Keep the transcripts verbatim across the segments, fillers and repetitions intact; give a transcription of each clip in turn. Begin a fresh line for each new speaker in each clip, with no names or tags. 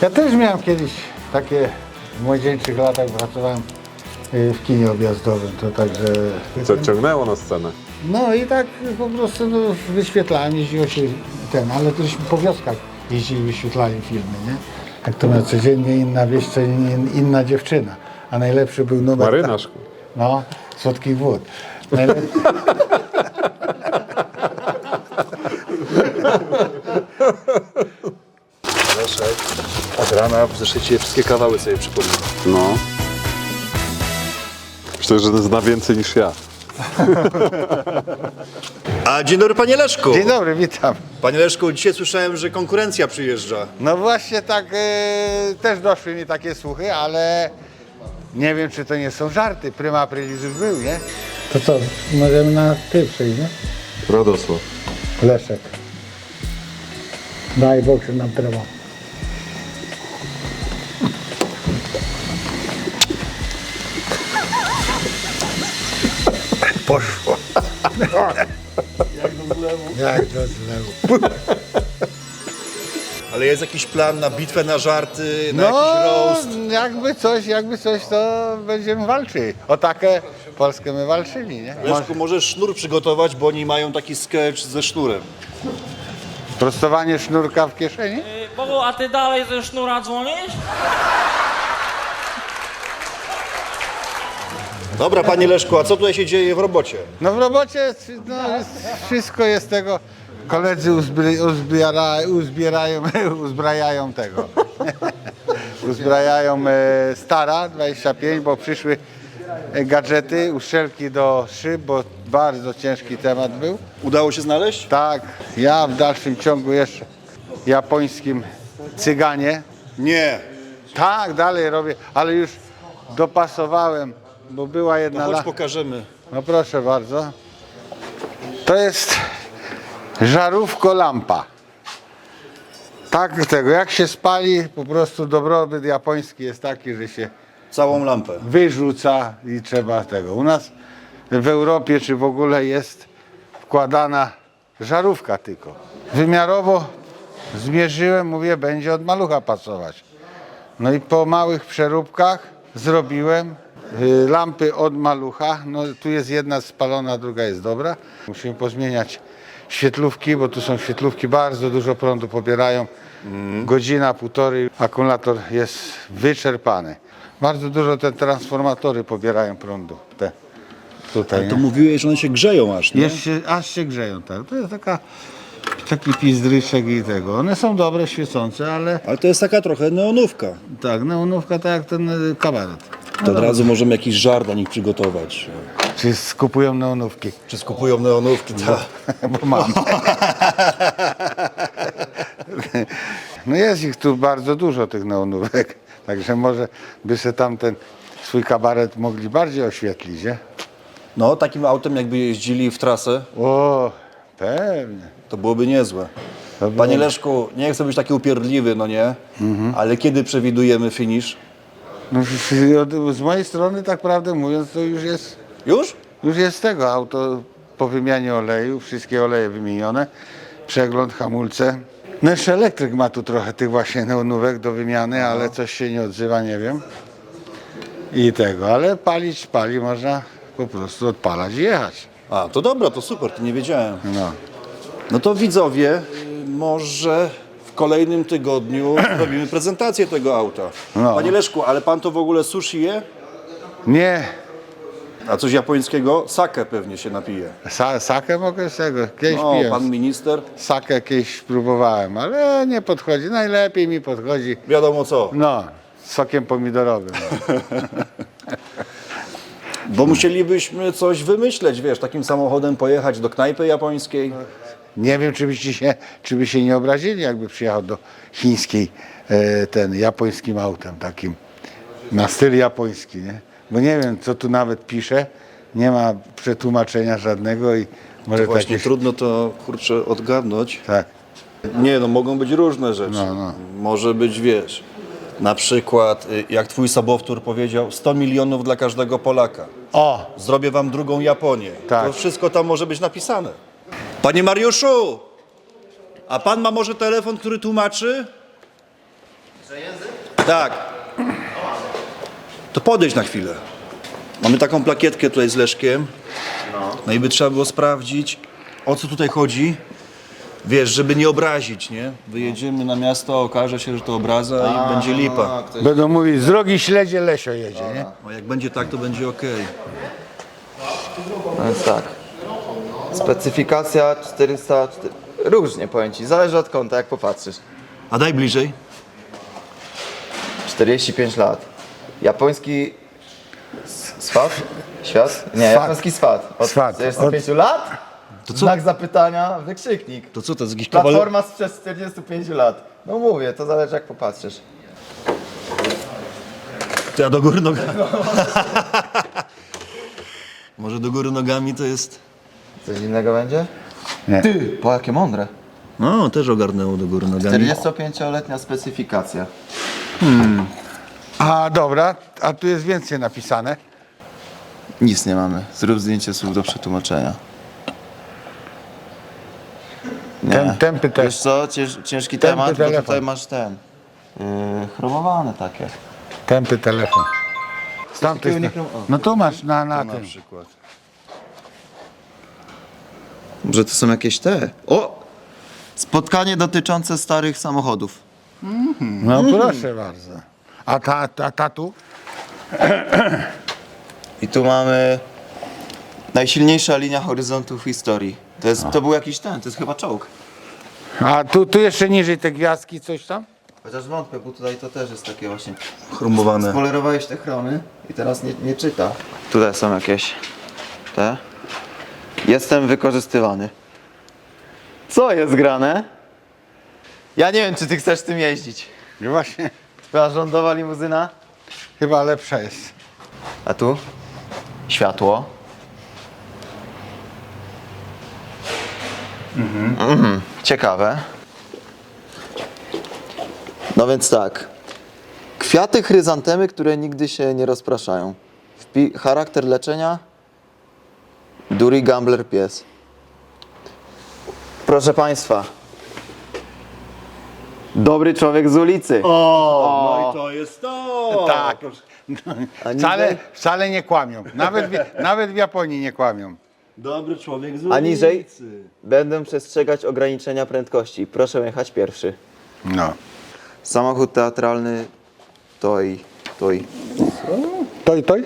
Ja też miałem kiedyś takie, w młodzieńczych latach pracowałem w kinie objazdowym, to także...
Co ciągnęło na scenę?
No i tak po prostu no, wyświetlałem, jeździło się ten, ale też po wioskach jeździli, wyświetlali filmy, nie? Jak to miał codziennie inna wieś, codziennie inna dziewczyna, a najlepszy był numer...
Marynarz.
No, słodkich wód. Najlepszy...
Leszek, od rana w zeszycie wszystkie kawały sobie przypomina.
No. Myślę, że zna więcej niż ja.
A dzień dobry, panie Leszku.
Dzień dobry, witam.
Panie Leszku, dzisiaj słyszałem, że konkurencja przyjeżdża.
No właśnie tak, e, też doszły mi takie słuchy, ale nie wiem, czy to nie są żarty. Prima aprilis już był, nie? To co, możemy na ty przejść, nie?
Radosław.
Leszek. Daj Bóg, że nam trwa. Poszło. Jak do zlewu. Jak do zlewu.
Ale jest jakiś plan na bitwę, na żarty, na
No,
jakiś roast?
jakby coś, jakby coś, to będziemy walczyli. O takie Polskę my walczyli, nie?
Leszku, możesz sznur przygotować, bo oni mają taki sketch ze sznurem.
Prostowanie sznurka w kieszeni?
Bogu, a ty dalej ze sznura dzwonisz?
Dobra, panie Leszku, a co tutaj się dzieje w robocie?
No w robocie no, jest, wszystko jest tego. Koledzy uzbry, uzbiera, uzbierają, uzbrajają tego. Uzbrajają e, Stara dwadzieścia pięć, bo przyszły e, gadżety, uszczelki do szyb, bo bardzo ciężki temat był.
Udało się znaleźć?
Tak, ja w dalszym ciągu jeszcze japońskim cyganie.
Nie.
Tak, dalej robię, ale już dopasowałem, bo była jedna...
No chodź
la-
pokażemy.
No proszę bardzo. To jest żarówko lampa. Tak tego, jak się spali, po prostu dobrobyt japoński jest taki, że się
Całą lampę.
wyrzuca i trzeba tego. U nas w Europie czy w ogóle jest wkładana żarówka tylko. Wymiarowo zmierzyłem, mówię, będzie od malucha pasować. No i po małych przeróbkach zrobiłem y, lampy od malucha. No tu jest jedna spalona, druga jest dobra. Musimy pozmieniać świetlówki, bo tu są świetlówki, bardzo dużo prądu pobierają. Godzina, półtorej, akumulator jest wyczerpany. Bardzo dużo te transformatory pobierają prądu. Te tutaj,
To
nie?
mówiłeś, że one się grzeją aż, nie?
Jeszcze, aż się grzeją, tak. To jest taka, taki pizdryczek i tego. One są dobre, świecące, ale
Ale to jest taka trochę neonówka.
tak, neonówka tak jak ten y, kabaret.
To od razu możemy jakiś żart dla nich przygotować.
Czy skupują neonówki?
Czy skupują neonówki? Tak.
Bo mam. No jest ich tu bardzo dużo, tych neonówek. Także może by se tam ten swój kabaret mogli bardziej oświetlić, nie?
No, takim autem jakby jeździli w trasę,
O, pewnie.
to byłoby niezłe.
To było-
Panie Leszku, nie chcę być taki upierdliwy, no nie? Ale kiedy przewidujemy finish?
No, z- od- z mojej strony, tak prawdę mówiąc, to już jest,
Już?
już jest tego auto po wymianie oleju, wszystkie oleje wymienione, przegląd, hamulce. No jeszcze elektryk ma tu trochę tych właśnie neonówek do wymiany, ale coś się nie odzywa, nie wiem. I tego, ale palić pali, można po prostu odpalać i jechać.
A, to dobra, to super, to nie wiedziałem.
No.
No to widzowie, y, może w kolejnym tygodniu robimy prezentację tego auta.
No.
Panie Leszku, ale pan to w ogóle sushi je?
Nie,
A coś japońskiego? Sake pewnie się napije.
sa, sakę mogę z tego, kiedyś
No,
piłem.
pan minister,
Sakę kiedyś próbowałem, ale nie podchodzi. Najlepiej mi podchodzi,
wiadomo co.
no, z sokiem pomidorowym.
Bo musielibyśmy coś wymyśleć, wiesz, takim samochodem pojechać do knajpy japońskiej.
Nie wiem, czy byście się, czy by się nie obrazili, jakby przyjechał do chińskiej e, ten japońskim autem takim, na styl japoński, nie? Bo nie wiem, co tu nawet pisze, nie ma przetłumaczenia żadnego i może
Właśnie
takie...
trudno to, kurczę, odgadnąć.
Tak,
Nie, no mogą być różne rzeczy.
No, no.
Może być, wiesz, na przykład, y, jak twój sobowtór powiedział, sto milionów dla każdego Polaka.
o,
Zrobię wam drugą Japonię.
Tak.
To wszystko tam może być napisane. Panie Mariuszu, a pan ma może telefon, który tłumaczy? Tak. To podejdź na chwilę. Mamy taką plakietkę tutaj z Leszkiem. No i by trzeba było sprawdzić, o co tutaj chodzi. Wiesz, żeby nie obrazić, nie? Wyjedziemy na miasto, okaże się, że to obraza i będzie lipa.
Będą mówić, z drogi śledzie Lesio jedzie, nie?
A jak będzie tak, to będzie okej.
No więc tak. Specyfikacja czterysta... Różnie powiem ci, zależy od kąta, jak popatrzysz.
A daj bliżej.
czterdzieści pięć lat. Japoński s- swat? Świat? Nie,
Swat.
japoński swat. Od
Swat.
czterdziestu pięciu lat?
To co?
Znak zapytania, wykrzyknik.
To co, to jest jakiś kawaler?
Platforma sprzed czterdziestu pięciu lat. No mówię, to zależy jak popatrzysz.
To ja do góry nogami. Może do góry nogami to jest...
Coś innego będzie?
Nie.
Ty, po jakie mądre.
No, też ogarnęło do góry nogami.
czterdziestopięcioletnia specyfikacja.
A dobra, a tu jest więcej napisane.
Nic nie mamy. Zrób zdjęcie słów do przetłumaczenia. Nie.
Tem, tempy też.
Wiesz co, Cięż, ciężki
Tępy
temat, bo
telefon.
tutaj masz ten. Yy, chromowane takie.
Tępy telefon. Z tamtej
Takiego nie
strony.
chrom- o.
No tu masz na, na
Na
tym.
przykład.
Może to są jakieś te. O! Spotkanie dotyczące starych samochodów.
No proszę bardzo. A ta, ta, ta tu?
I tu mamy najsilniejsza linia horyzontu w historii. To, jest, to był jakiś ten, to jest chyba czołg.
A tu, tu jeszcze niżej te gwiazdki, coś tam?
Chociaż wątpię, bo tutaj to też jest takie właśnie.
Chromowane.
Spolerowałeś te chromy i teraz nie, nie czyta. Tutaj są jakieś te. Jestem wykorzystywany. Co jest grane? Ja nie wiem, czy ty chcesz tym jeździć.
No właśnie,
Twoja rządowa limuzyna?
chyba lepsza jest.
A tu? Światło. Mhm. Ciekawe. No więc tak. Kwiaty chryzantemy, które nigdy się nie rozpraszają. Wpi- charakter leczenia. Dury Gambler pies. Proszę Państwa. Dobry człowiek z ulicy.
O, no i to jest to!
Tak.
A
Wcale,
niżej?
wcale nie kłamią. Nawet w, nawet w Japonii nie kłamią.
Dobry człowiek z
A niżej?
ulicy.
Będę przestrzegać ograniczenia prędkości. Proszę jechać pierwszy.
No.
Samochód teatralny Toj. Toj.
Toj, toj?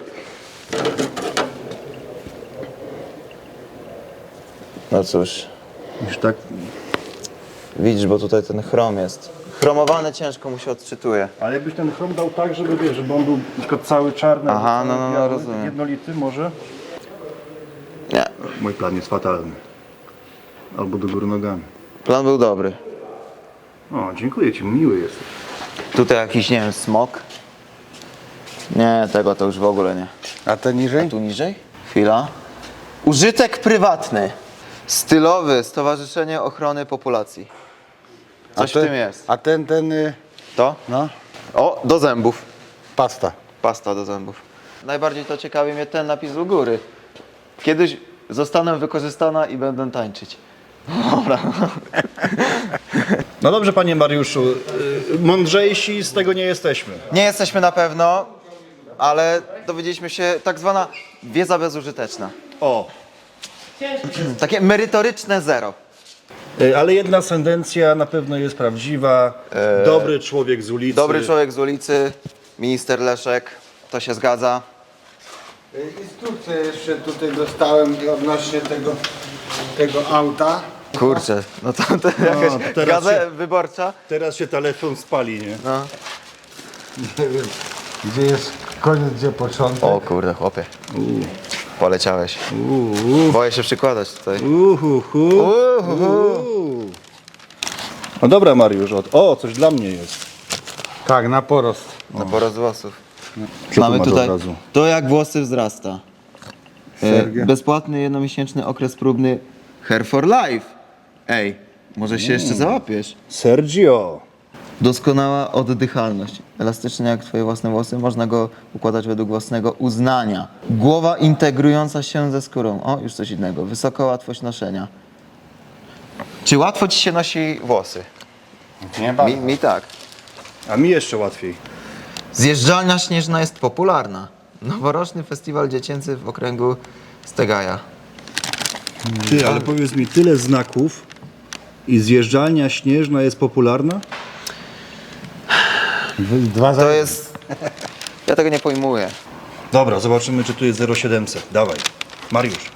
No cóż,
Już tak.
widzisz, bo tutaj ten chrom jest. Chromowane ciężko mu się odczytuje.
Ale jakbyś ten chrom dał tak, żeby wiesz, żeby on był na przykład cały czarny,
Aha,
albo cały
no, no, no,
biały,
rozumiem.
jednolity może?
Nie,
Mój plan jest fatalny. Albo do góry nogami.
plan był dobry.
O, dziękuję ci, miły jesteś.
Tutaj jakiś, nie wiem, smok. Nie, tego to już w ogóle nie.
A to niżej?
Tu niżej? Chwila. Użytek prywatny. Stylowy, Stowarzyszenie Ochrony Populacji. Coś
a ten,
w tym jest.
A ten, ten, y,
To?
no,
O, do zębów.
pasta.
Pasta do zębów. Najbardziej to ciekawi mnie ten napis u góry. Kiedyś zostanę wykorzystana i będę tańczyć. Dobra.
No dobrze, panie Mariuszu, y, mądrzejsi z tego nie jesteśmy.
Nie jesteśmy na pewno, ale dowiedzieliśmy się, tak zwana wiedza bezużyteczna.
O,
Takie merytoryczne zero.
y, ale jedna sentencja na pewno jest prawdziwa. Dobry człowiek z ulicy.
Dobry człowiek z ulicy, minister Leszek, to się zgadza.
Instrukcję jeszcze tutaj dostałem odnośnie tego, tego auta.
Kurczę, no to, to jakaś
to teraz
gazeta
się-
wyborcza.
Teraz się telefon spali, nie?
No.
Gdzie jest koniec, gdzie początek.
O kurde, chłopie. Poleciałeś. Boję się przykładać tutaj.
Uhuhu. Uhu. No dobra, Mariusz, o, o, coś dla mnie jest.
Tak, na porost.
Na porost włosów.
Co
Mamy
tu ma do
tutaj
obrazu?
to jak włosy wzrasta. E,
Sergia.
bezpłatny jednomiesięczny okres próbny Hair for Life. Ej, może się jeszcze załapiesz.
Sergio.
Doskonała oddychalność. Elastyczny jak twoje własne włosy, można go układać według własnego uznania. Głowa integrująca się ze skórą. O, już coś innego. Wysoka łatwość noszenia. Czy łatwo ci się nosi włosy?
Nie
Mi, mi tak.
A mi jeszcze łatwiej.
Zjeżdżalnia śnieżna jest popularna. Noworoczny festiwal dziecięcy w okręgu Stegaja.
Ty, ale powiedz mi, tyle znaków i zjeżdżalnia śnieżna jest popularna?
Dwa za...
To jest... Ja tego nie pojmuję.
Dobra, zobaczymy, czy tu jest zero siedemset. Dawaj. Mariusz.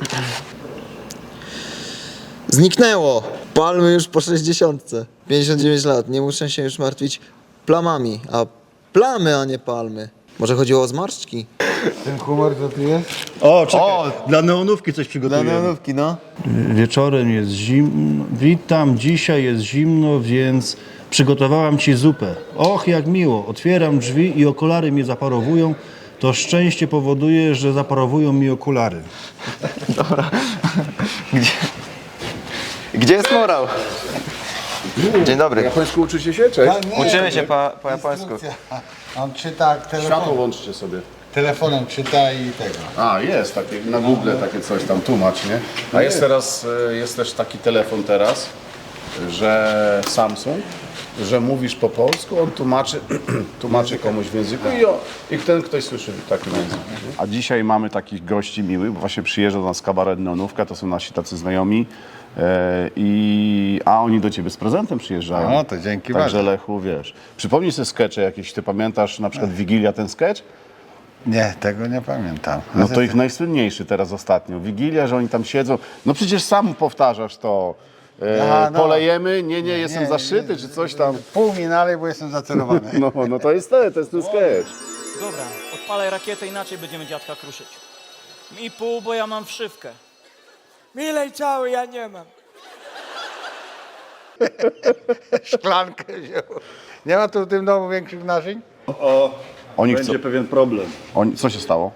Zniknęło! Palmy już po sześćdziesiątce. pięćdziesiąt dziewięć lat. Nie muszę się już martwić plamami. A plamy, a nie palmy. Może chodziło o zmarszczki?
Ten humor to tu jest?
O, czekaj. Dla neonówki coś przygotujemy.
neonówki, no.
Wieczorem jest zimno. Witam, dzisiaj jest zimno, więc przygotowałam ci zupę. Och, jak miło. Otwieram drzwi i okulary mnie zaparowują. To szczęście powoduje, że zaparowują mi okulary.
Gdzie... Gdzie jest morał? Dzień dobry.
Japońsku uczycie się? Cześć.
Uczymy się po, po japońsku.
Instrukcja. On czyta
Światło
telefonem,
włączcie sobie.
telefonem czyta i tego.
A, jest takie, na Google takie coś tam, tłumacz, nie? A jest teraz, e, jest też taki telefon teraz, że Samsung, że mówisz po polsku, on tłumaczy, tłumaczy komuś w języku i, o, i ten ktoś słyszy w takim języku. A dzisiaj mamy takich gości miłych, bo właśnie przyjeżdża do nas kabaret Neonówka, to są nasi tacy znajomi, e, i, a oni do ciebie z prezentem przyjeżdżają.
No, to dzięki
Także
bardzo.
Lechu, wiesz, przypomnij sobie skecze jakieś, ty pamiętasz na przykład Wigilia ten sketch?
Nie, tego nie pamiętam.
No to ich najsłynniejszy teraz ostatnio. Wigilia, że oni tam siedzą. No przecież sam powtarzasz to. E,
Aha, no.
Polejemy, nie, nie, jestem
Nie,
zaszyty,
nie,
czy coś tam.
Pół mi nalej, bo jestem zacelowany.
No, no to jest to, to jest ten sketch.
Dobra, odpalaj rakietę, inaczej będziemy dziadka kruszyć. Mi pół, bo ja mam wszywkę.
Milej cały, ja nie mam.
Szklankę wziął. Nie ma tu w tym domu większych naczyń?
O,
Oni
będzie
chcą,
pewien problem.
oni, co się stało?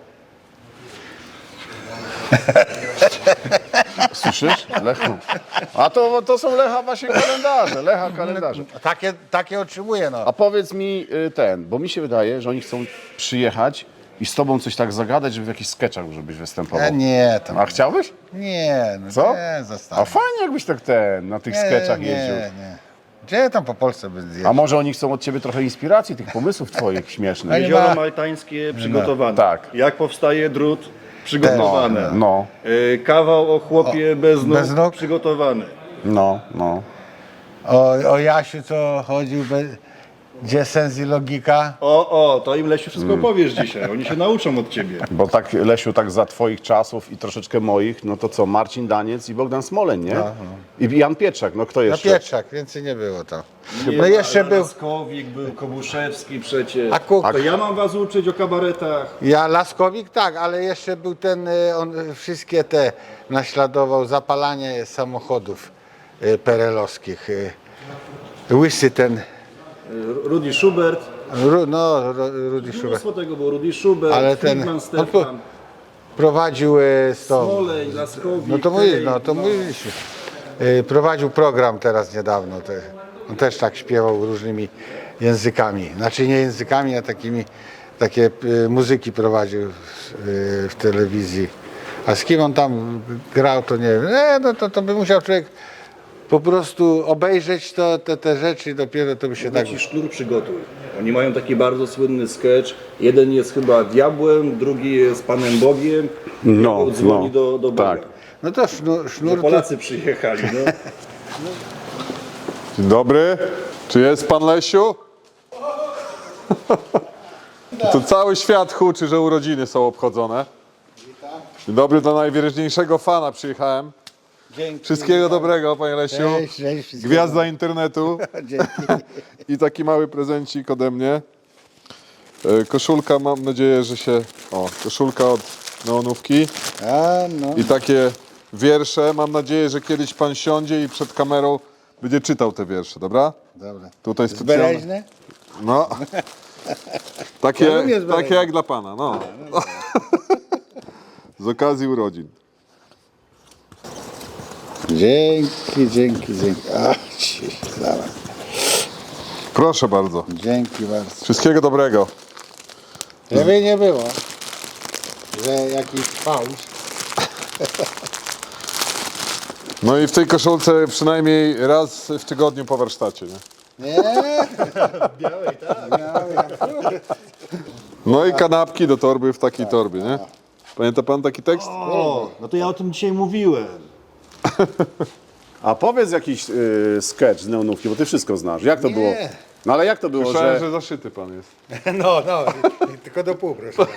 Słyszysz, Lechu? A to, to są Lecha właśnie kalendarze, Lecha kalendarze.
Takie, takie otrzymuję, no.
A powiedz mi y, ten, bo mi się wydaje, że oni chcą przyjechać i z tobą coś tak zagadać, żeby w jakichś sketchach, żebyś występował.
E, nie, to
A chciałbyś?
nie, no
Co?
nie,
A
zostawię.
fajnie jakbyś tak ten, na tych
Nie,
sketchach
nie,
jeździł.
nie. Gdzie tam po Polsce by zjeździł?
A może oni chcą od ciebie trochę inspiracji, tych pomysłów twoich śmiesznych?
nie
Jezioro
ma-
maltańskie przygotowane.
Tak.
Jak powstaje drut? Przygotowane.
No,
Y, kawał o chłopie bez nóg?
bez nóg?
Przygotowany.
no, no.
O, o Jasiu, co chodził, be... gdzie sens i logika?
O, o, to im Lesiu wszystko powiesz dzisiaj. Oni się nauczą od ciebie.
Bo tak, Lesiu, tak za twoich czasów i troszeczkę moich, no to co, Marcin Daniec i Bogdan Smoleń, nie? I Jan Pietrzak, no kto
No
jeszcze?
Pietrzak, więcej nie było tam. No jeszcze był,
Laskowik, był Kobuszewski przecież.
a Kuk,
To ja mam was uczyć o kabaretach.
ja Laskowik tak, ale jeszcze był ten, y, on y, wszystkie te naśladował, zapalanie samochodów y, perelowskich. y, Łysy ten,
Rudy Schubert.
Ru, no Ru- Rudy Schubert,
Mnóstwo tego było. Rudy Schubert,
Ale ten-
Friedman
on
Stefan,
prowadził y, z tą,
Smolej, Laskowik.
no to mówisz,
Tej,
no to mówisz. Y, Prowadził program teraz niedawno, te, on też tak śpiewał różnymi językami, znaczy nie językami, a takimi, takie y, muzyki prowadził y, w telewizji. A z kim on tam grał, to nie wiem. E, no to, to by musiał człowiek po prostu obejrzeć to, te, te rzeczy i dopiero to by się tak...
Ci sznur przygotuj. Oni mają taki bardzo słynny sketch. Jeden jest chyba diabłem, drugi jest Panem Bogiem.
No,
Diabeł dzwoni
no,
do, do Boga.
tak.
No to sznur,
No,
sznur to,
Polacy przyjechali, no.
Dzień dobry, czy jest pan Lesiu? To cały świat huczy, że urodziny są obchodzone. Dzień dobry, do najwyraźniejszego fana przyjechałem.
Dzięki.
Wszystkiego dobrego, panie Lesiu.
Cześć, cześć, wszystkiego.
Gwiazda internetu.
Dzięki.
I taki mały prezencik ode mnie. E, Koszulka, mam nadzieję, że się... O, koszulka od Neonówki.
A, no.
I takie wiersze. Mam nadzieję, że kiedyś pan siądzie i przed kamerą będzie czytał te wiersze, dobra?
Dobra.
Tutaj specjalne.
Zbereźne?
No. Takie,
Ja lubię zbereźne.
takie jak dla pana, no. Z okazji urodzin.
Dzięki, dzięki, dzięki. A, ci, zaraz.
Proszę bardzo.
Dzięki bardzo.
Wszystkiego dobrego.
Żeby nie było, że jakiś fałsz.
No i w tej koszulce przynajmniej raz w tygodniu po warsztacie, nie?
Nie,
No i kanapki do torby w takiej torbie, nie? Pamięta pan taki tekst?
O, no to ja o tym dzisiaj mówiłem.
A powiedz jakiś y, sketch z neonówki, bo ty wszystko znasz. Jak to było? No ale jak to było,
Słyszałem,
że...
że zaszyty pan jest.
no, no, tylko do pół, proszę.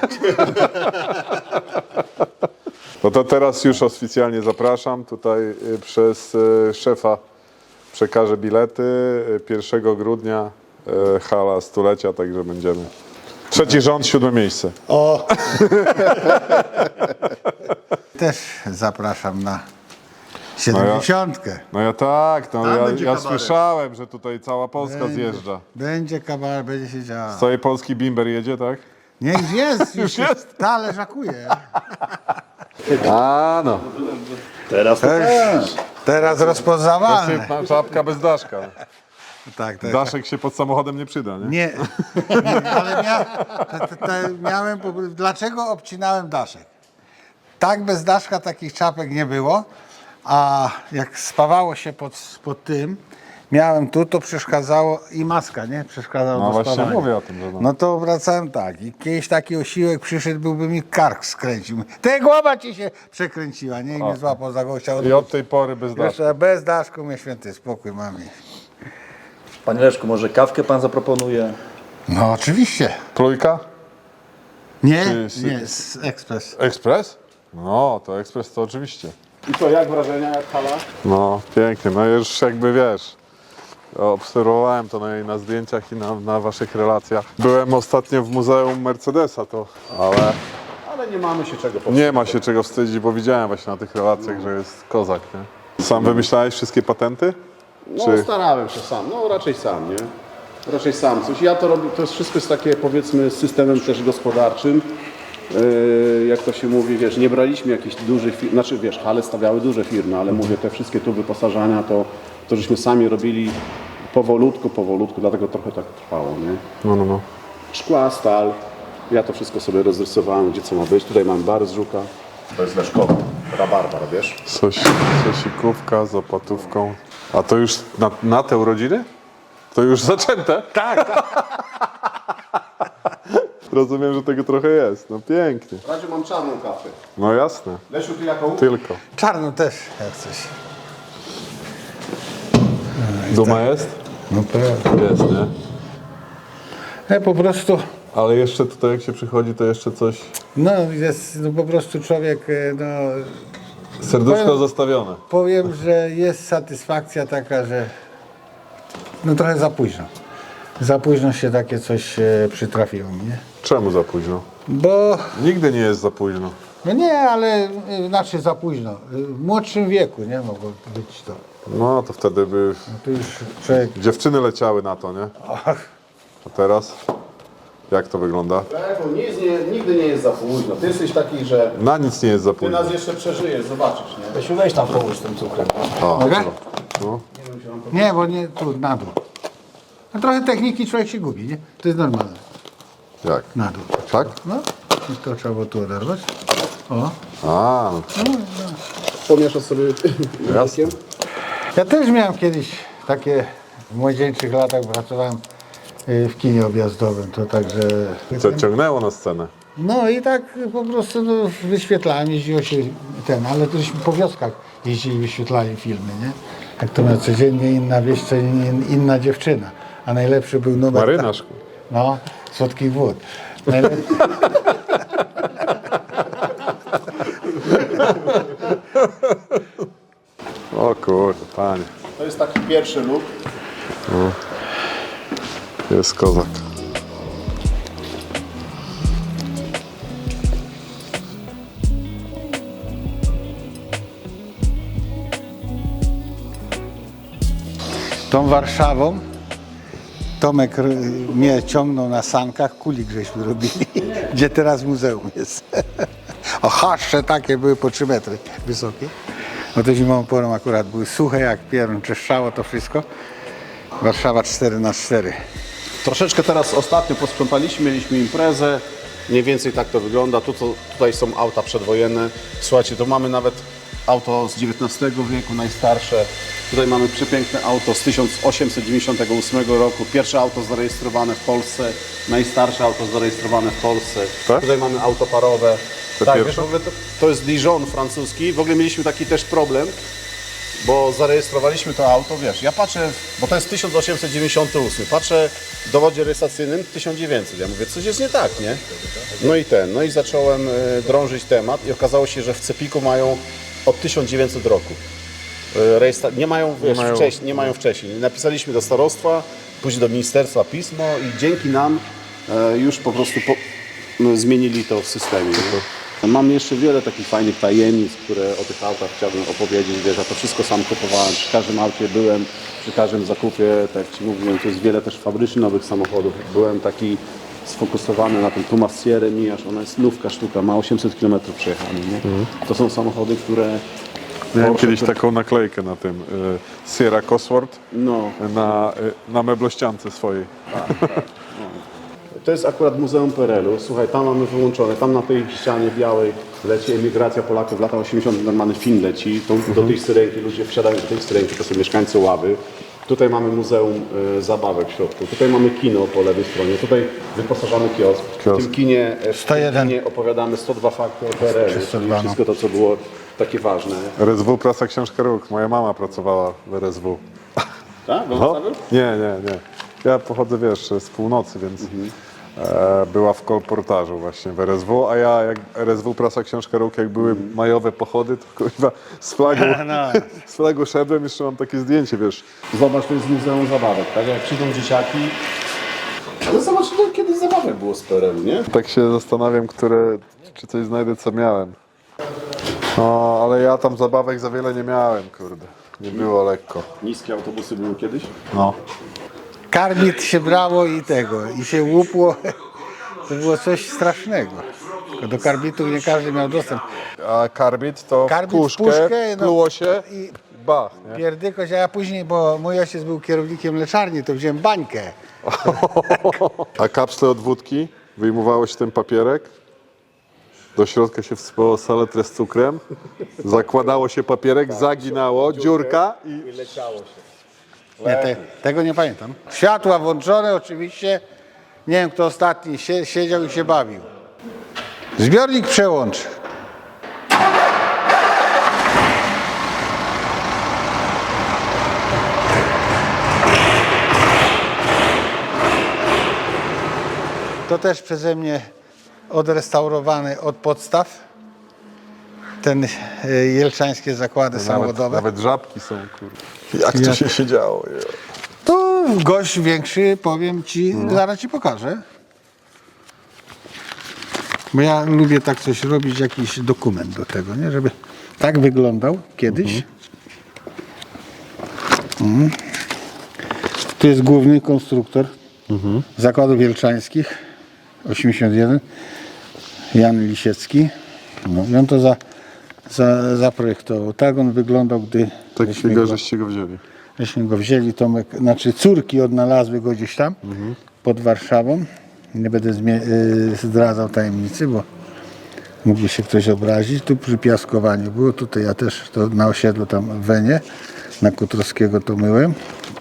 No to teraz już oficjalnie zapraszam. Tutaj y, przez y, szefa przekażę bilety. Y, pierwszego grudnia y, hala stulecia, także będziemy. Trzeci rząd, siódme miejsce.
O! Też zapraszam na siedemdziesiątkę.
No ja tak, no
Tam
ja,
będzie
ja
kabaret.
słyszałem, że tutaj cała Polska zjeżdża.
Będzie kabaret, będzie się działo.
Z całej Polski bimber jedzie, tak?
Nie, już jest,
Już jest?
Ta leżakuje.
A no.
Teraz to
Też, teraz rozpoznawalne.
Znaczy, czapka bez daszka.
Tak, tak.
Daszek się pod samochodem nie przyda, nie?
Nie, nie, ale mia, te, te, te miałem, po- dlaczego obcinałem daszek? Tak bez daszka takich czapek nie było, a jak spawało się pod, pod tym, miałem tu, to przeszkadzało i maska, nie? Przeszkadzało
No
do
właśnie
spawania.
mówię o tym, że no.
No to wracałem tak i kiedyś taki osiłek przyszedł, byłby mi kark skręcił. Te głowa ci się przekręciła, nie? I mnie złapał za gościa.
I od tej pory bez daszka.
Jeszcze bez daszku mnie święty spokój mam.
Panie Leszku, może kawkę pan zaproponuje?
No oczywiście.
Trójka?
Nie,
Ty-
nie, z ekspres.
Ekspres? No, to ekspres to oczywiście.
I co, jak wrażenia, jak hala?
No, pięknie. No już jakby wiesz, obserwowałem to na, na zdjęciach i na, na waszych relacjach. Byłem ostatnio w Muzeum Mercedesa, to, ale
Ale nie mamy się czego powstrzymać.
nie ma się czego wstydzić, bo widziałem właśnie na tych relacjach, że jest kozak, nie? Sam wymyślałeś wszystkie patenty?
No
Czy-
starałem się sam, no raczej sam, nie? Raczej sam coś. Ja to robię, to jest wszystko jest takie powiedzmy systemem też gospodarczym. Yy, jak to się mówi, wiesz, nie braliśmy jakichś dużych firm, znaczy wiesz, hale stawiały duże firmy, ale mówię, te wszystkie tu wyposażania to, to żeśmy sami robili powolutku, powolutku, dlatego trochę tak trwało, nie?
No, no, no.
Szkła, stal, ja to wszystko sobie rozrysowałem, gdzie co ma być. Tutaj mam bar z żuka. To jest leszkowa, rabarbar, wiesz?
Coś, sosikówka z opłatówką. A to już na, na te urodziny? To już zaczęte? Tak, tak. Rozumiem, że tego trochę jest. No pięknie.
W razie mam czarną kawę.
No jasne.
Lesiu, ty jaką?
Tylko.
Czarno też, jak coś.
Duma jest?
No pewnie.
Jest, nie?
Ja po prostu,
Ale jeszcze tutaj jak się przychodzi, to jeszcze coś...
no jest no, po prostu człowiek, e, no
Serduszko
Powiem-
zastawione.
powiem, że jest satysfakcja taka, że no trochę za późno. Za późno się takie coś e, przytrafiło mi, nie?
Czemu za późno?
Bo,
Nigdy nie jest za późno.
no nie, ale e, znaczy za późno. E, W młodszym wieku, nie mogło być to.
No to wtedy by
No tu już człowiek,
dziewczyny leciały na to, nie?
ach,
A teraz? Jak to wygląda?
Lesiu, nic nie, nigdy nie jest za późno. Ty jesteś taki, że
Na nic nie jest za
ty
późno.
nas jeszcze przeżyjesz, zobaczysz, nie?
Lesiu, weź tam połóż tym cukrem.
mogę?
No.
Nie, bo nie, tu na dół. No trochę techniki człowiek się gubi, nie? To jest normalne.
Jak?
Na dół.
Tak?
No, i to trzeba było tu oderwać. O.
A, no.
Pomieszasz sobie
Jasne.
Ja też miałem kiedyś takie, w młodzieńczych latach pracowałem y, w kinie objazdowym, to także...
Co ciągnęło na scenę?
No i tak po prostu no, wyświetlałem, jeździło się ten, ale to żeśmy po wioskach jeździli, wyświetlali filmy, nie? Jak to na codziennie inna wieś, co in, inna dziewczyna. A najlepszy był numer...
Marynarz.
No, słodkich wód. Najlepszy...
O kurde, panie.
To jest taki pierwszy look.
Jest kozak.
Tą Warszawą Tomek r- mnie ciągnął na sankach, kulik żeśmy robili, gdzie teraz muzeum jest. O, haszcze takie były po trzy metry wysokie. No to zimową porą akurat były suche jak pierun, czeszczało to wszystko. Warszawa cztery na cztery.
Troszeczkę teraz ostatnio posprzątaliśmy, mieliśmy imprezę. Mniej więcej tak to wygląda. Tu, to, tutaj są auta przedwojenne. Słuchajcie, to mamy nawet auto z dziewiętnastego wieku, najstarsze. Tutaj mamy przepiękne auto z tysiąc osiemset dziewięćdziesiątego ósmego roku. Pierwsze auto zarejestrowane w Polsce, najstarsze auto zarejestrowane w Polsce.
Tak?
Tutaj mamy auto parowe.
To
tak,
pierwsze?
wiesz, w ogóle to, to jest Dijon francuski. W ogóle mieliśmy taki też problem, bo zarejestrowaliśmy to auto, wiesz, ja patrzę, bo to jest tysiąc osiemset dziewięćdziesiąty ósmy, patrzę w dowodzie rejestracyjnym tysiąc dziewięćset, ja mówię, coś jest nie tak, nie? No i ten, no i zacząłem e, drążyć temat i okazało się, że w Cepiku mają od tysiąc dziewięćset roku. E, Rejestra- nie mają, wiesz,
mają.
Wcześniej, nie mają wcześniej. Napisaliśmy do starostwa, później do ministerstwa pismo i dzięki nam e, już po prostu po, no, zmienili to w systemie. Nie? Mam jeszcze wiele takich fajnych tajemnic, które o tych autach chciałbym opowiedzieć. Wiesz, ja to wszystko sam kupowałem, przy każdym aucie byłem, przy każdym zakupie, tak jak Ci mówiłem, to jest wiele też fabrycznie nowych samochodów. Byłem taki sfokusowany na tym Puma Sierra Miaż, ona jest nówka sztuka, ma osiemset kilometrów przejechane, nie? To są samochody, które...
Miałem
Porsche,
kiedyś
które-
taką naklejkę na tym y, Sierra Cosworth
No,
na, y, na meblościance swojej.
to jest akurat Muzeum Perelu. Słuchaj, tam mamy wyłączone, tam na tej ścianie białej leci emigracja Polaków w latach osiemdziesiątych. Normalny film leci. To, do tej syrenki, ludzie wsiadają do tej syrenki, to są mieszkańcy Ławy. Tutaj mamy Muzeum y, Zabawek w środku. Tutaj mamy kino po lewej stronie. Tutaj wyposażamy kiosk. W
Kiosk.
tym kinie, w
sto jeden.
tym kinie opowiadamy sto dwa fakty o Perelu.
sto
Czyli
dwa, no.
wszystko to, co było takie ważne.
R S W, prasa Książka Róg. Moja mama pracowała w R S W.
Tak?
No? Nie, nie, nie. Ja pochodzę, wiesz, z północy, więc e, była w kolportażu właśnie w R S W, a ja jak R S W, prasa Książka Róg, jak były majowe pochody, to kurwa z flagą, z flagą szedłem, jeszcze mam takie zdjęcie, wiesz.
Zobacz, to jest Muzeum Zabawek, tak? Jak przyjdą dzieciaki. Ale zobacz, to kiedyś zabawek było z Perelu, nie?
Tak się zastanawiam, które, czy coś znajdę, co miałem. No, ale ja tam zabawek za wiele nie miałem, kurde. Nie było lekko.
Niskie autobusy były kiedyś.
No.
Karbit się brało i tego, i się łupło. To było coś strasznego. Tylko do karbitu nie każdy miał dostęp.
A karbit to
Karbit w
w puszkę,
puszkę, no,
pluło się
i-
i bach, nie?
Pierdykoś, a ja później, bo mój ojciec był kierownikiem mleczarni, to wziąłem bańkę.
A kapsle od wódki, wyjmowało się ten papierek, do środka się wsypało saletrę z cukrem, zakładało się papierek, zaginało, dziurka i...
Nie, te, tego nie pamiętam. Światła włączone oczywiście. Nie wiem, kto ostatni sie, siedział i się bawił. Zbiornik przełącz. To też przeze mnie odrestaurowany od podstaw. Ten e, jelczańskie zakłady
Nawet,
samochodowe.
nawet żabki są, kurde. Jak to się siedziało? je.
To gość większy, powiem ci, zaraz ci pokażę. Bo ja lubię tak coś robić, jakiś dokument do tego, nie? Żeby tak wyglądał kiedyś. Mhm. Tu jest główny konstruktor zakładów jelczańskich, osiemdziesiąt jeden, Jan Lisiecki. No, i on to za, za, zaprojektował. Tak on wyglądał, gdy
Tak
myśmy
chwilę,
go-
żeście go wzięli.
Myśmy go wzięli, Tomek, znaczy córki odnalazły go gdzieś tam pod Warszawą. Nie będę zmie- y, zdradzał tajemnicy, bo mógłby się ktoś obrazić. Tu przy piaskowaniu było, tutaj ja też to na osiedlu tam w Wenie, na Kutrowskiego to myłem.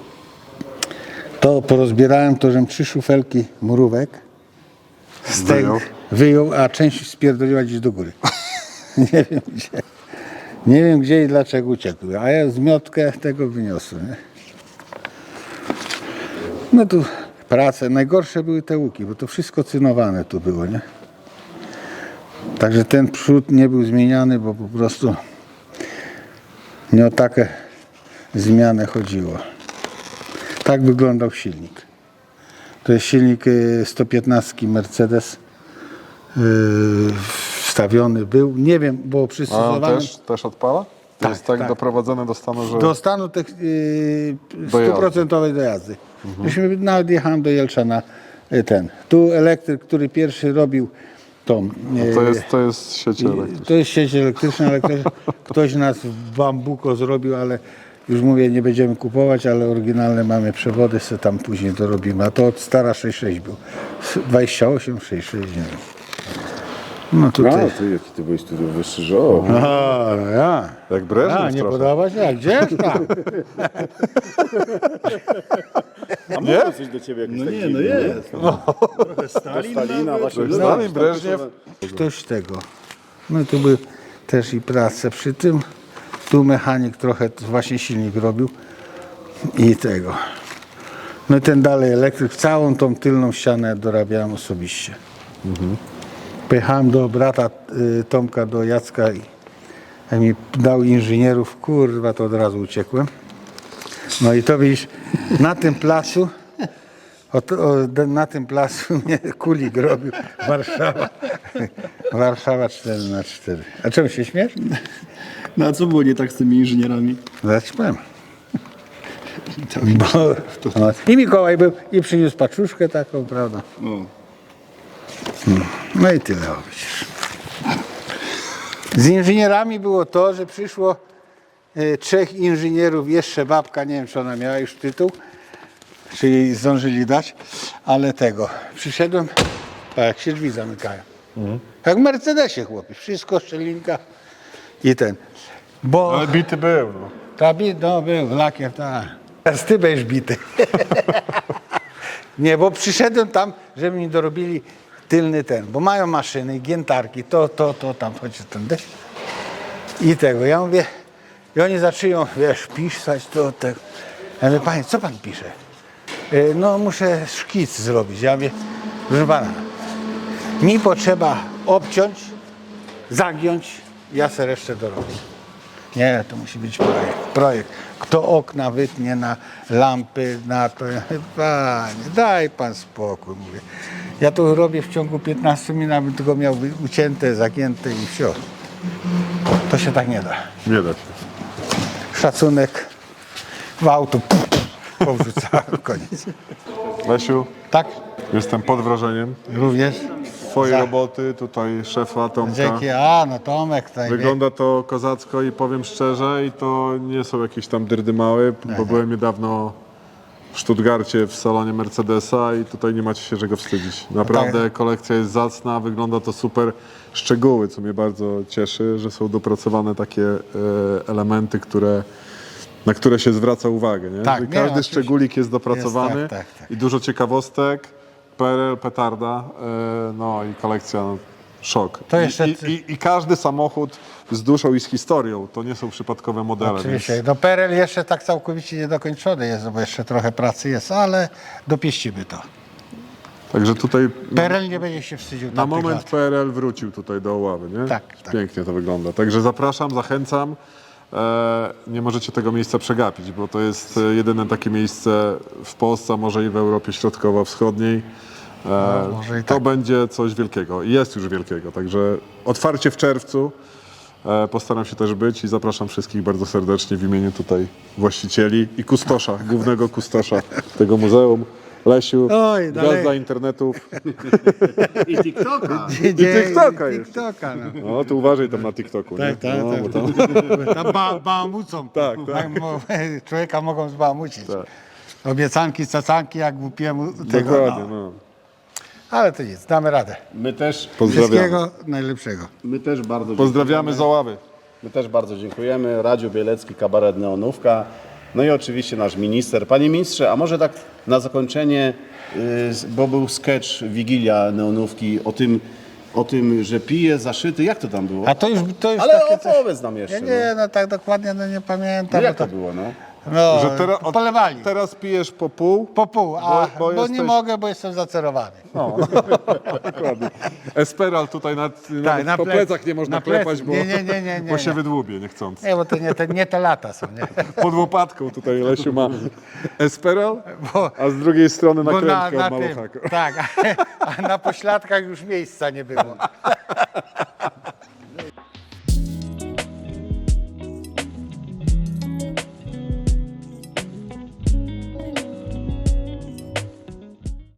To porozbierałem, to żem trzy szufelki murówek z tego
Wyjął?
wyjął, a część spierdoliła gdzieś do góry. Nie wiem gdzie. Nie wiem gdzie i dlaczego uciekły, a ja zmiotkę tego wyniosłem. Nie? No tu prace, najgorsze były te łuki, bo to wszystko cynowane tu było, nie? Także ten przód nie był zmieniany, bo po prostu nie o takie zmianę chodziło. Tak wyglądał silnik. To jest silnik y, sto piętnaście Mercedes. Yy, wstawiony był, nie wiem, bo
A on
przystosowany
też, też odpala? To
Tak,
jest tak,
tak.
doprowadzone do stanu, że...
do stanu tych, yy,
Do jazdy.
stuprocentowej dojazdy. Myśmy nawet jechałem do Jelczana y, ten. Tu elektryk, który pierwszy robił tą. Yy,
To jest, to jest sieć elektryczna.
to jest sieć elektryczna, ale ktoś, ktoś nas w bambuko zrobił, ale już mówię, nie będziemy kupować, ale oryginalne mamy przewody, sobie tam później to robimy. A to od stara sześćdziesiąt sześć był. dwadzieścia osiem, sześćdziesiąt sześć, nie wiem. No tutaj.
ty jaki ty byłeś tu wyższy, że o.
A, no ja.
Jak Breżniew
A, nie
trochę.
podoba się? A gdzież tam?
A mówię coś do ciebie jakoś
No
tak
nie,
dziwnie,
no jest. Trochę Stalin.
Stalina właśnie. no,
Stalin, Breżniew.
Ktoś tego. No tu był też i prace przy tym. Tu mechanik trochę właśnie silnik robił i tego. No i ten dalej elektryk, całą tą tylną ścianę dorabiałem osobiście. Pojechałem do brata y, Tomka, do Jacka i jak mi dał inżynierów, kurwa, to od razu uciekłem. No i to widzisz, na tym placu, o, to- o, na tym placu mnie Kulik robił, Warszawa. Warszawa cztery na cztery. A czemu się śmiesz?
No a co było nie tak z tymi inżynierami?
Zaraz ci powiem. Bo, no, i Mikołaj był i przyniósł paczuszkę taką, prawda?
O.
No i tyle, o, widzisz. Z inżynierami było to, że przyszło e, trzech inżynierów, jeszcze babka, nie wiem czy ona miała już tytuł, czy jej zdążyli dać, ale tego. Przyszedłem, a jak się drzwi zamykają. Jak w Mercedesie, chłopie, wszystko, szczelinka i ten. Bo
Ale bity był, no.
ta bit, no był, lakier, tak. Teraz ty będziesz bity. Nie, bo przyszedłem tam, żeby mi dorobili tylny ten, bo mają maszyny, giętarki, to, to, to, tam, chodź ten deszcz. I tego, ja mówię, i oni zaczynają, wiesz, pisać to, tego. Ja mówię, panie, co pan pisze? "E, No, muszę szkic zrobić. Ja mówię, proszę pana, mi potrzeba obciąć, zagiąć, ja se resztę dorobię. Nie, to musi być projekt. Projekt. Kto okna wytnie na lampy, na to. Ja mówię, panie, daj pan spokój, mówię. Ja to robię w ciągu piętnastu minut, abym tylko miał ucięte, zagięte i wsio. To się tak nie da.
Nie da się.
Szacunek w auto powrzucałem, koniec.
Lesiu,
Tak?
jestem pod wrażeniem
Również?
twojej
Za-
roboty, tutaj szefa Tomka.
Dzięki. A, no Tomek tutaj.
Wygląda to kozacko i powiem szczerze, i to nie są jakieś tam dyrdy małe, bo byłem niedawno w Stuttgarcie w salonie Mercedesa i tutaj nie macie się czego wstydzić. Naprawdę kolekcja jest zacna, wygląda to super. Szczegóły, co mnie bardzo cieszy, że są dopracowane takie e, elementy, które, na które się zwraca uwagę. Nie?
Tak,
Że
nie,
każdy
oczywiście.
szczególik jest dopracowany
Jest, tak, tak, tak.
i dużo ciekawostek. P R L, petarda, e, no i kolekcja, no, szok.
To jeszcze
I, i, i, I każdy samochód z duszą i z historią, to nie są przypadkowe modele.
Oczywiście.
Więc
No P R L jeszcze tak całkowicie niedokończony jest, bo jeszcze trochę pracy jest, ale dopieścimy to.
Także tutaj
P R L nie będzie się wstydził
na
tamtych
moment
lat.
P R L wrócił tutaj do Oławy, nie?
Tak, tak.
Pięknie to wygląda. Także zapraszam, zachęcam. E, nie możecie tego miejsca przegapić, bo to jest e, jedyne takie miejsce w Polsce, a może i w Europie Środkowo-Wschodniej. E,
No, może i
to
tak.
będzie coś wielkiego i jest już wielkiego. Także otwarcie w czerwcu. E, postaram się też być i zapraszam wszystkich bardzo serdecznie w imieniu tutaj właścicieli i kustosza, głównego kustosza tego muzeum. Lesiu,
Oj, dalej.
gwiazda internetów.
I TikToka.
I
TikToka jeszcze.
TikToka, no.
No, to uważaj tam na TikToku, nie?
Tak, tak,
no,
tak.
bo tam...
Tam ba bałamucą.
Tak, tak.
mo- Człowieka mogą zbałamucić.
Tak.
Obiecanki, cacanki, jak głupiemu tego.
Dokładnie,
No.
no.
Ale to nic, damy radę.
My też,
Pozdrawiamy.
Wszystkiego najlepszego.
my też bardzo
Pozdrawiamy z Oławy.
My też bardzo dziękujemy. Radziu Bielecki, kabaret Neonówka. No i oczywiście nasz minister. Panie ministrze, a może tak na zakończenie, yy, bo był sketch Wigilia Neonówki o tym, o tym, że pije zaszyty. Jak to tam było?
A to już, to już
Ale
takie coś...
opowiedz nam
Ja
jeszcze.
nie, no tak dokładnie no nie
no.
pamiętam.
No jak
bo
to było, no?
No,
Że teraz, od,
polewali.
teraz pijesz po pół.
Po pół, a
Bo-
bo,
bo
nie
jesteś-
mogę, bo jestem zacerowany.
Dokładnie. Esperal tutaj nad, nawet
Tak, na
po
plec-
plecach nie można
na plecy.
klepać, bo,
Nie, nie, nie, nie, nie,
bo się
nie.
wydłubie niechcąc.
Nie, bo to nie te, nie te lata są, nie?
Pod łopatką tutaj Lesiu ma Esperal,
Bo-
a z drugiej strony
Bo na,
nakrętkę
na
od
tym,
maluchaka.
tak, a na pośladkach już miejsca nie było.